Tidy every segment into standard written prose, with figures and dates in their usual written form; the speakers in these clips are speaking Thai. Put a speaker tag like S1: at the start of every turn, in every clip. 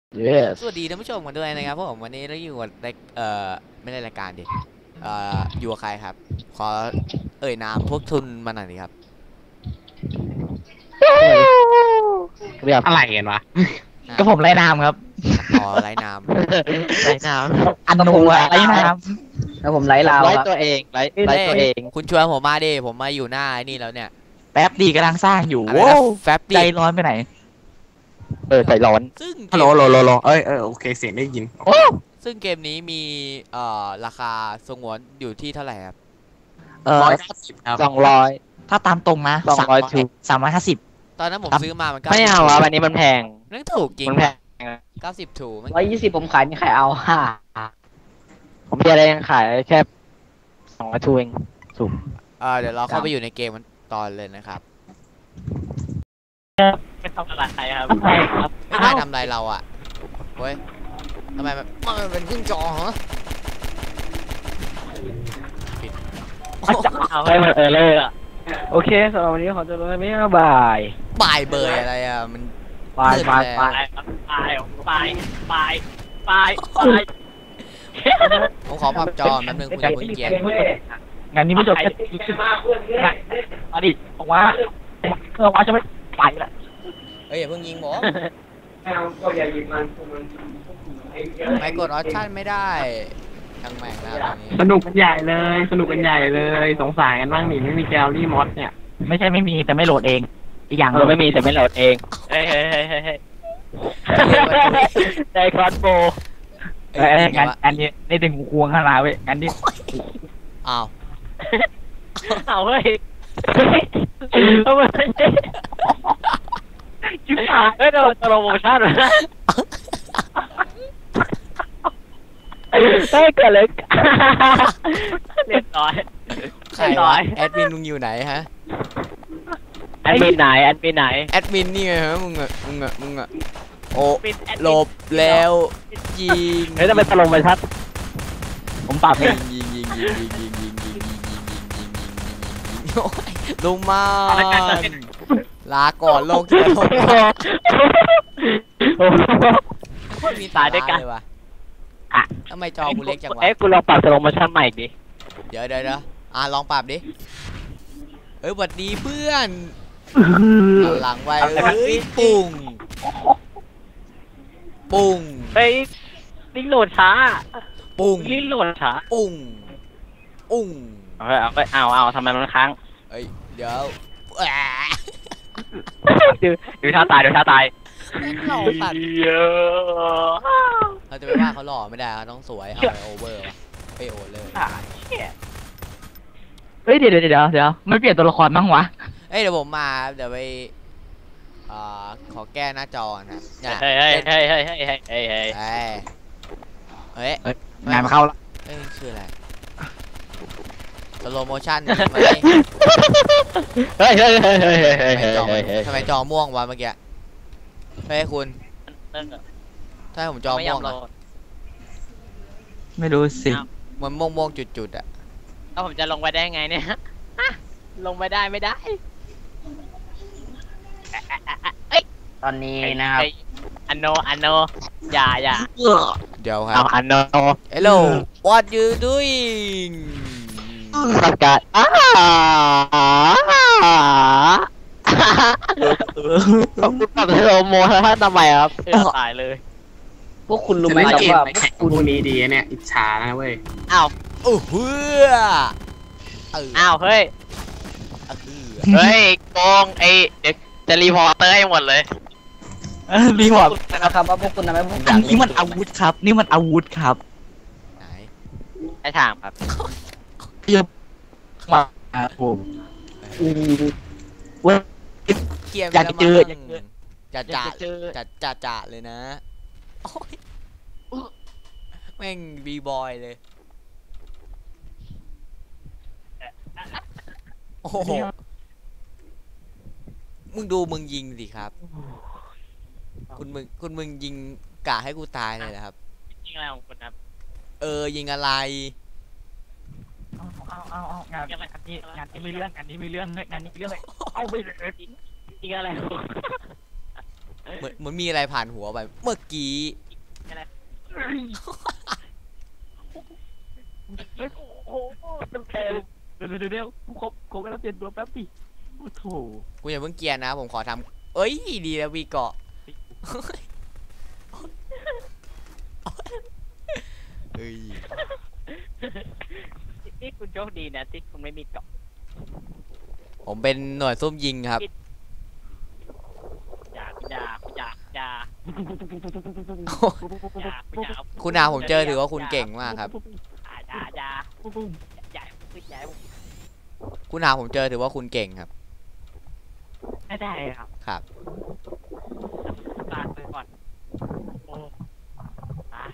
S1: Yes
S2: สวัสดีท่านผู้ชมกันด้วยนะครับผมวันนี้เราอยู่กับไม่ได้รายการดิอยู่กับใครครับขอเอ่ยนามพวกทุนมาหน่อยดิครับ
S1: เรียบ
S3: อะไรกันวะ
S2: อ่ะ
S1: ก็ผมไล่นามครับ
S2: อ๋อไร้นาม
S1: ไล่นามอัน
S4: ก็ผม
S1: นูอะไล่
S4: ไล่
S1: นาม
S4: แล้วผมไล่ลาว
S1: ไล่
S4: ครับ
S1: ตัวเองไล่
S2: เอ้ย
S1: ตัวเอง
S2: คุณชวนผมมาดิผมมาอยู่หน้าไอ้นี่แล้วเนี่ย
S1: แป๊บดีกำลังสร้างอยู่
S2: อะไร
S1: โว้
S2: นะแฟบ
S1: ใจ
S2: ดิ
S1: ร้อนไปไหนใจร้อน
S2: ซึ่งเก
S3: ฮัลโหล
S2: ม
S3: ฮัลโหลฮัลโหลโอเคเสียงได้ยิน
S1: โอ้
S2: ซึ่งเกมนี้มีราคาสงวนอยู่ที่เท่าไหร่ครับ
S3: 150ครับ
S1: ถ้าตามตรงนะ350
S2: ตอนนั้นผมซื้อมามัน
S1: ไม่เอาอ่ะวันนี้มันแพง
S2: นั่นถูกจริง
S1: มันแพง
S2: 90ถูกมัน
S4: 120ผมขายมีใครเอาฮ่า
S1: ผมจะได้ยังขายแค่200 ทูเองสูง
S2: เดี๋ยวเราเข้าไปอยู่ในเกมมันตอนเลยนะครับ
S3: ไม่ทำอะไรครับ
S2: ไม่นายทำอะไรเราอ่ะเว้ยทำไมมันเป็นครึ่งจอเหรอปิด
S4: เอาให้มันเลยอ่ะโอเคสำหรับวันนี้ขอตัวลาไปแล้วบาย
S2: บ่ายเบยอะไรอ่ะมัน
S4: บายบายบาย
S3: ไป
S2: ผมขอพับจอแป๊บนึงคุณอย่าเพิ่งเกลียด
S1: งานนี้ไม่จบแค่อดีตบอกว่าว่าจะไม่ไปละ
S2: เอ้ยอย่าเพิ่งยิงผมไม่กดออปชั่นไม่ได้ทั้งแม่งแล้วตอนนี้
S3: สนุกกันใหญ่เลย สนุกกันใหญ่เลย สงสารกันบ้างนี่ไม่มีแกลลี่มอสเนี่ย
S1: ไม่ใช่ไม่มีแต่ไม่โหลดเองอีกอย่างไม่มีแต่ไม่โหลดเองเฮ้ยได้คอร์สโบงานนี้ได้ถึงควงขนาดเว้ยงานนี้
S2: อ้าว
S1: เอาเฮ้ยทำไมจิ๊บหายเฮ้ยโดนโปรโมชั่นนะได้เกิดเลยเรียบร้อย
S2: ใครวะแอดมินมึงอยู่ไหนฮะ
S1: แอดมินไหน
S2: แอดมินนี่ไงฮะมึงอ่ะโอ้หลบแล้วยิง
S1: เฮ้ยทำไมตลงไปชัดผมปรับเอง
S2: ยิงโอ้ยลุงมาลาก่อนโลกที่โลกมีสายด้วยกันเลยวะทำไมจอกูเล็กจังวะ
S1: กูลองปรับสโลโมชั่นใหม่ดิ
S2: เดี๋ยวลองปรับดิหวัดดีเพื่อนหลังไว้ปุ่ง
S1: เฮ้ยลิงโหลดช้า
S2: ปุ่ง
S1: ลิงโหลดช้า
S2: ปุ่ง
S1: เอาทำไมมันค้าง
S2: เดี๋ยว
S1: ดูท่าตาย
S2: เราตัดเราจะไปว่าเขาหล่อไม่ได้เขาต้องสวยเอาไปโอเวอร์ไปโอเลย
S1: เฮ้ยเดี๋ยวไม่เปลี่ยนตัวละครบ้างวะ
S2: เดี๋ยวผมมาเดี๋ยวไปขอแก้หน้าจอนะ
S1: เฮ้ยงานมาเข้าละ
S2: คืออะไรสโลโมชั่นไหม
S1: เฮ้ย
S2: ทำไมจอม่วงวะเมื่อกี้เฮ้ยคุณถ้าผมจอม่วงอะ
S1: ไม่รู้สิ
S2: มันม่วงจุดๆอ่ะ
S1: แล้วผมจะลงไปได้ไงเนี่ยลงไปได้ไม่ได้
S4: ตอนนี้นะครับ
S1: อันโนอย่า
S2: เดี๋ยวครั
S1: เอา
S2: บ
S1: อันโน
S2: Hello what you doing
S1: ประกาศต้องปรับสโลโมถ้าทำไมครับตายเลย
S4: พวกคุณรู้ไหม
S3: เล่น
S4: ครับ
S3: เกม
S4: ว่า
S3: ไหนแข่งพวกนี้ดีเนี่ย อิจฉานะเว้ย
S1: อ้าว
S2: โอ้เฮ้ย
S1: อ้าวเฮ้ยโกงเดี๋ยวจะรีพอร์เตอร์ให้หมดเลยรีพอร์ต
S4: นะครับว่าพวกคุณทำให้ผมอยาก
S1: นี่มันอาวุธครับ นี่มันอาวุธครับ
S2: ไหน
S1: ไอ้ทางครับเยอะมาผม
S2: เกียร์
S1: อยากเจอ
S2: จะเลยนะโอ้ยแม่งบีบอยเลยโอ้โหมึงดูมึงยิงสิครับคุณมึงยิงกะให้กูตายเลยนะครับ
S1: ยิงอะไรของคุณครับ
S2: ยิงอะไร
S1: เอางานนี้ไม่เรื่องงานนี้ไม่เรื่องเลยเอาไปเลยยิงอะไร
S2: เหมือนมีอะไรผ่านหัวไปเมื่อกี้
S1: อะไรโอ้โหเต็มเดี๋ยวคงกำลังเปลี่ยนตัวแป๊บดิโอ้โห
S2: กูอย่าเพิ่งเกรียร์นะผมขอทำเอ้ยดีแล้ววีเกาะเฮ้ย
S1: นี่คุณโชคดีนะที่คุณไม่มีเกาะ
S2: ผมเป็นหน่วยซุ่มยิงครับ
S1: อย่า
S2: คุณอาผมเจอถือว่าคุณเก่งมากครับ
S1: อย่า
S2: คุณอาผมเจอถือว่าคุณเก่งครับ
S1: ไม่ได้ครับ
S2: ครับ
S1: ตาไปก่อนโอ้ตาย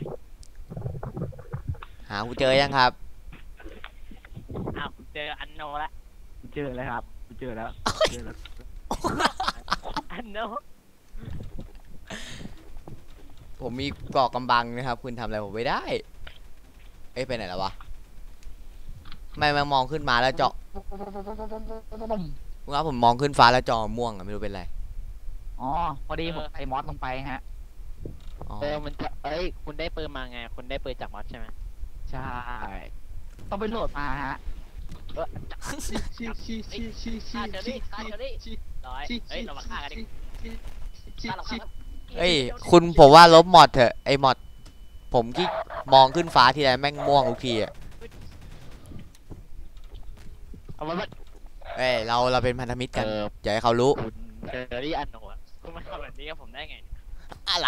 S2: หาคุณเจอยังครับ
S1: อ้าวเจออันโนละเจอแล้วครับเจอแล้วอันโน
S2: ผมมีเกาะกำบังนะครับ คุณทำอะไรผมไม่ได้ เอ้ยไปไหนแล้ววะไม่มองขึ้นมาแล้วเจาะคุณครับผมมองขึ้นฟ้าแล้วจอม่วงอะไม่รู้เป็นไร
S4: อ๋อพอดีผมใส่มอสลงไปฮะ
S2: อ๋อ
S1: มันจะคุณได้ปืนมาไงคุณได้ปืนจากมอสใช่ไหม
S4: ใช่ต้องไปโหลดมาฮะ
S1: ร้อยเรามาฆ่ากันดิฆ่าเราฆ่า
S2: เอ้ยคุณผมว่าลบมอดเถอะไอมอดผมที่มองขึ้นฟ้าทีไรแม่งม่วงทุกทีอะ
S1: เอามา
S2: เอ้ยเราเป็นพันธมิตรกันอย่าให้เขารู้
S1: คุณเจอรี่อันโนะคุณมาทำแบบนี้กับผมได้ไง
S2: อะไร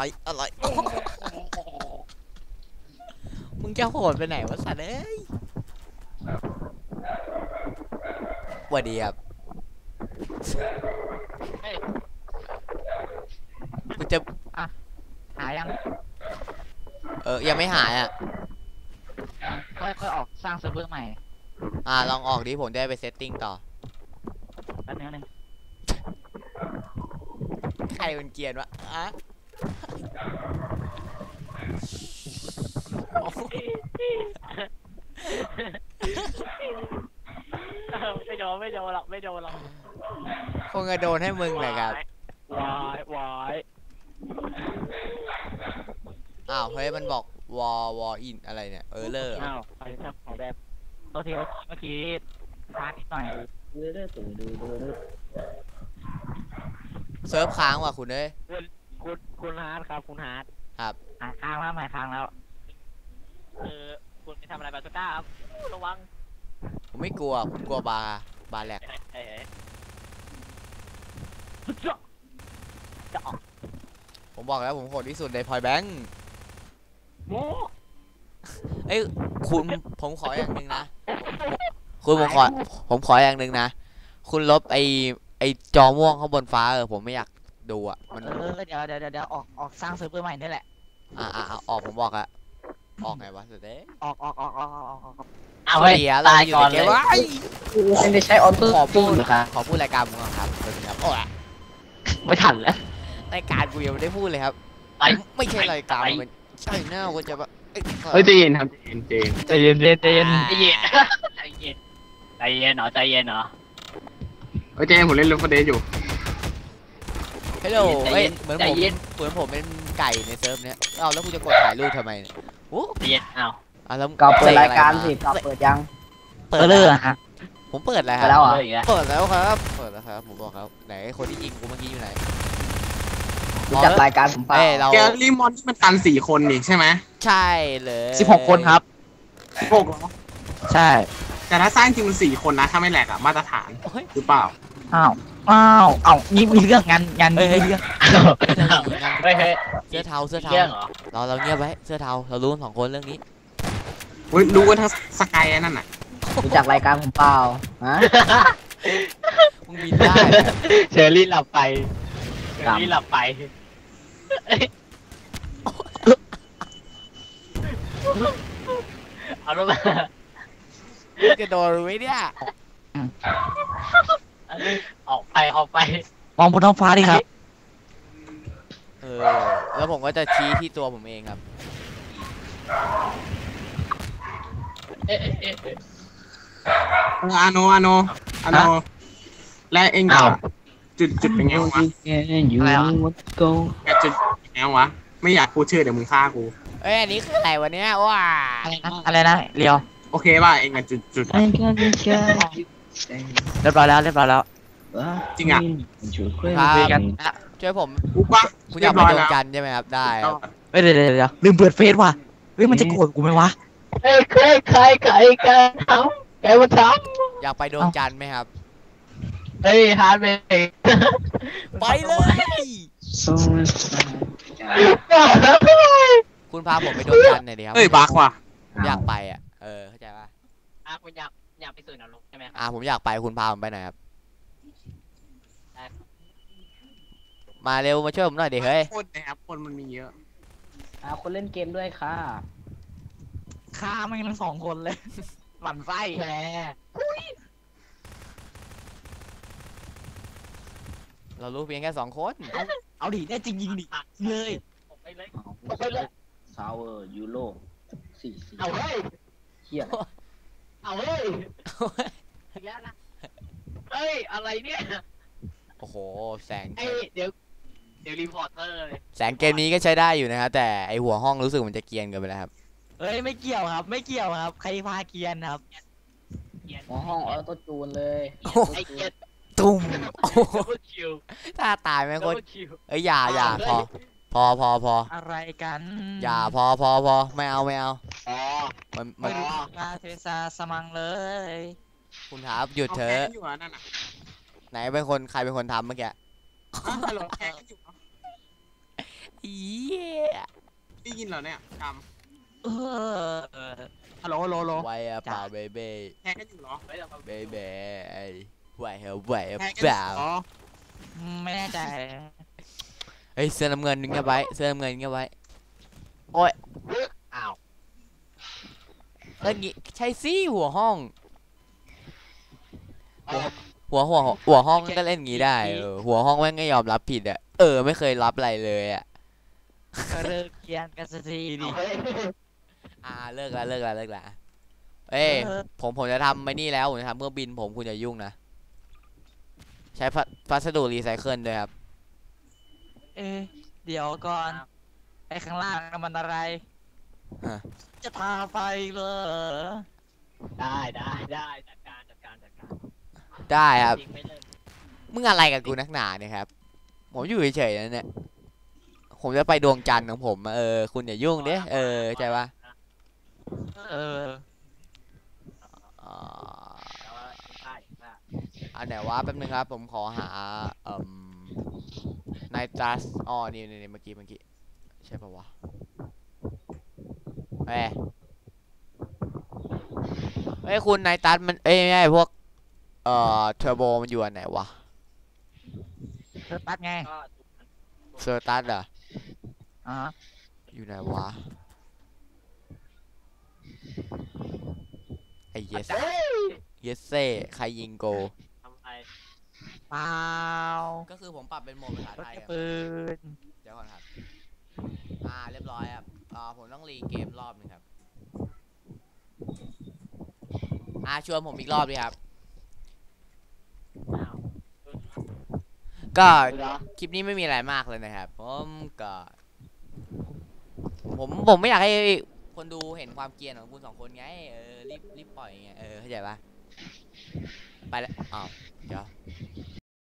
S2: มึงจะโหดไปไหนวะสัตว์เอ้ยสวัสดีครับกูจะ
S4: หายัง
S2: ยังไม่หายอ่ะ
S4: ค่อยๆออกสร้างเซิร์ฟเวอร์ใหม่
S2: ลองออกดิผมได้ไปเซตติ้งต่อ
S4: แป๊บนึง
S2: ใครเป็นเกียร์วะ
S1: ไม่โดนหรอก
S2: คงจะโดนให้มึงแหละครับ
S1: วาย
S2: อ้าวเฮ้ยมันบอกวออินอะไรเนี่ยเลอร์
S1: อ้าวไปทำของแบบ
S4: ตัวทีเมื่อกี้พลาดนิดหน่อย
S2: เซิร์ฟค้างว่ะคุณเอ้ย
S1: คุณฮาร์ดครับคุณฮาร์ด
S2: ครับ
S4: หายค้างแล้วหายค้างแล้ว
S1: คุณไปทำอะไรบาสุก้าครับระวัง
S2: ผมไม่กลัวผมกลัวบาร์แหลก
S1: จะออก
S2: ผมบอกแล้วผมโหดที่สุดในพอยแบงค์
S1: โม
S2: เอ้ยคุณผมขออย่างหนึ่งนะคุณผมขออย่างหนึ่งนะคุณลบไอจอม่วงข้างบนฟ้าผมไม่อยากดูอ่ะมัน
S4: เดี๋ยวออกสร้างเซิร์ฟเวอร์ใหม่นี่แหละ
S2: ออกผมบอกอะออกไงวะสุดเด้
S4: ออก
S2: เอาเดี๋ยวเราอยู่ในเกมว่า
S4: ไม่ใช่ออโต้
S2: ขอพูดรายการผมก่อนครับสวัสดีครับโอ้ย
S4: ไม่ทันแล้ว
S2: รายการกูยังไม่ได้พูดเลยครับไม่ใช่รายการมันใช่หน้ากูจะแบบ
S3: เฮ้ยใจเย็นครับใจเย็น
S4: ใจเย็น
S1: ใจเย็นเหรอใจเย็นเหรอ
S3: เฮ้ยใจเย็นผมเล่นลูฟเดย์อยู่
S2: ฮัลโหลเฮ้ยเหมือนผมเป็นไก่ในเซิร์ฟเนี้ยแล้วกูจะกดถ่ายรูปทำไมเนี่ยโอ้
S1: ใจเย็นอ้าว
S2: แล้ว
S5: ก็เปิดรายการสิก็เปิดยัง
S2: เปิด
S4: เลยฮะ
S2: ผมเปิดแล้วค
S5: เปิ
S2: รั
S5: ด
S2: บ
S5: แล้วเหรอ
S2: เปิดแล้วครับผมบอกครับไหนคนที่ยิงกูเมื่อกี้อยู่ไหน
S5: รู้จักรายการผมเปล่า
S2: เรา
S3: แกลลี่มอนที่มันกัน4 คนนี่ใช่ไหม
S2: ใช่เลย
S4: 16 คนครับ
S3: 16เหรอ
S4: ใช่
S3: แต่ถ้าสร้างจริงมัน4 คนนะถ้าไม่แหลกอะมาตรฐานหรือเปล่า
S4: อ้าวนี่มีเรื่องงานมีเรื่อง
S1: เฮ้ย
S2: เสื้อเทา
S1: เรื่องเหรอ
S2: เราเงียบไว้เสื้อเทาเรารู้2 คนเรื่องนี้
S3: เฮ้ยรู้กันทั้งสกายนั่นน่ะ
S5: รู้จักรายการผมเปล่าฮะ
S2: มึงบินได้
S1: เชอรี่หลับไปเอาลงมา
S2: จะโดนไหมเนี่ย
S1: ออกไป
S4: มองบนท้องฟ้าดิครับ
S2: แล้วผมก็จะชี้ที่ตัวผมเองครับ
S3: อาโนและเองจุดเป็นไงวะ
S4: อะไรวะ
S3: แกจุดเป็นไงวะไม่อยากพูดชื่อเดี๋ยวมึงฆ่ากู
S2: เอ้ยอันนี้คืออะไรวะเนี่ยว้า
S4: อะไรนะเรียว
S3: โอเคป่ะเองอะจุด
S4: เรียบร้อยแล้วเรียบร้อยแล้ว
S3: จริงอ่ะ
S2: ครับ
S4: คุยกันอ่ะ
S2: ช่วยผม
S3: กูป่ะ
S2: คุณอยากไปดวงจันทร์ใช่ไหมครับได้ครับ
S4: เฮ้ยเดี๋ยวลืมเปิดเฟซว่ะเฮ้ยมันจะโกรธกูไหมวะ
S1: เฮ้ยใครแกทำแกมาท
S2: อยากไปดวงจันทร์ไหมครับ
S1: ำเฮ้ยฮาร์ดเบย์
S2: ไปเลย คุณพาผมไปดวงจันทร์หน่อยดิครับ
S3: เฮ้ยบักว่ะ
S2: อยากไปอ่ะเข้าใจป่ะ
S1: คุณอยากไปสู่นรกใช่ไหมครับ
S2: ผมอยากไปคุณพาผมไปหน่อยครับมาเร็วมาช่วยผมหน่อยดิเฮ้ย
S3: คนนะครับคนมันมีเยอะ
S5: คนเล่นเกมด้วยค่ะ
S4: ฆ่าแม่งทั้งสองคนเลยหมั่นไส้
S1: แหม
S2: เรารู้เพียงแค่2 คน
S4: เอาดิแน่จริงยิงดิเลย
S1: ผมไปเลย
S5: ซาวเวอร์ยูโร4
S1: เอาเฮ้ย
S5: เฮีย
S1: เอาเฮ้ยอีกแล้วนะเฮ้ยอะไรเนี่ย
S2: โอ้โหแสง
S1: ไอเดี๋ยวรีพอร์เตอร์เลย
S2: แสงเกมนี้ก็ใช้ได้อยู่นะครับแต่ไอหัวห้องรู้สึกมันจะเกรียนเกินไปแล้วครับ
S4: เฮ้ยไม่เกี่ยวครับ ไม่เกี่ยวครับใครพาเกียนครับ
S5: หัวห้องออโต้จูนเลย
S1: ไอเกียร์
S2: ตุ้ม
S1: ดับเบิลคิว
S2: ถ้าตายไหม
S1: ดับ
S2: คน
S1: เบิลคิว
S2: เอ้ยอย่าพอ
S4: อะไรกัน
S2: อย่าพอไม่เอา
S1: อ๋อ
S2: มัน
S4: ไม่รู้มาเทซาสมังเลย
S2: คุณครับหยุด
S3: เอา
S2: เถ
S3: แพ้
S2: อะ
S3: กันอยู่อ่ะนั่นอ่ะ
S2: ไหนใครเป็นคนทำเมื่อกี้
S3: ฮัลโหลแพ้กันอยู่เหรอ
S2: อีย
S3: ได้ยินเหรอเนี่ยก
S4: เออฮัลโหลฮัลโหลฮัลโหล
S2: ไว้อะเปล่าเบเบ้
S3: ำแพ้กันอยู่เหรอ
S2: เบเบ้ไอ้ไหวเหรอไหวอะ
S3: แพ้กัน
S2: เป
S3: อยู่
S2: ล่า
S3: เหรอ
S4: ไม่แน่ใจ
S2: เฮ้ยเสื้อน้ำเงินเงี้ยไว้เสื้อน้ำเงินเงี้ยไว้โอ้ย
S1: อ้าว
S2: แล้วงี้ใช่สิหัวห้อง หัวห้องก็เล่นงี้ได้หัวห้องแม่งไม่ยอมรับผิดอ่ะไม่เคยรับอะไรเลยอ่ะ
S4: ก็เลิกเกียนกันสักทีดิ
S1: เฮ้ย
S2: เลิกละเอ้ยผมจะทำไม่นี่แล้วผมจะทำเครื่องบินผมคุณอย่ายุ่งนะใช้พัสดุรีไซเคิลด้วยครับ
S4: เดี๋ยวก่อนไอ้ข้างล่างมันอะไร
S2: ฮะ
S4: จะทาไฟเลย
S1: ได้จัดการ
S2: ได้ครับ
S1: จริงไม่เลิก
S2: มึงอะไรกับกูนักหนาเนี่ยครับผมอยู่เฉยๆนะเนี่ยผมจะไปดวงจันทร์ของผมคุณอย่ายุ่งเด้เข้าใจปะ
S4: เออ
S2: อันไหนวะแป๊บนึงครับผมขอหาไนตรัสนี่เมื่อกี้ใช่ปะวะเฮ้ยคุณไนตรัสมันไม่ใช่พวกเทอร์โบมันอยู่อันไหนวะ
S4: เธอตัดไง
S1: ก็
S2: เซอร์ตัสเหรอ
S4: อ๋อ
S2: อยู่ไหนวะไอ้เยสเซ่ใครยิงโก
S1: ทำไม
S4: เปล่า
S2: ก็คือผมปรับเป็นโหมดภาษาร
S4: ถ
S2: ไทย
S4: กระ
S2: ครับ
S4: ปืน
S2: เดี๋ยวก่อนครับเรียบร้อยครับผมต้องรีเกมรอบนึงครับชวนผมอีกรอบดิครับ
S1: อ้าว
S2: ก็
S1: เหรอ
S2: คลิปนี้ไม่มีอะไรมากเลยนะครับผมไม่อยากให้คนดูเห็นความเกรียนของคุณ2 คนไงรีบปล่อยไงเข้าใจปะไปแล้วเดี๋ยว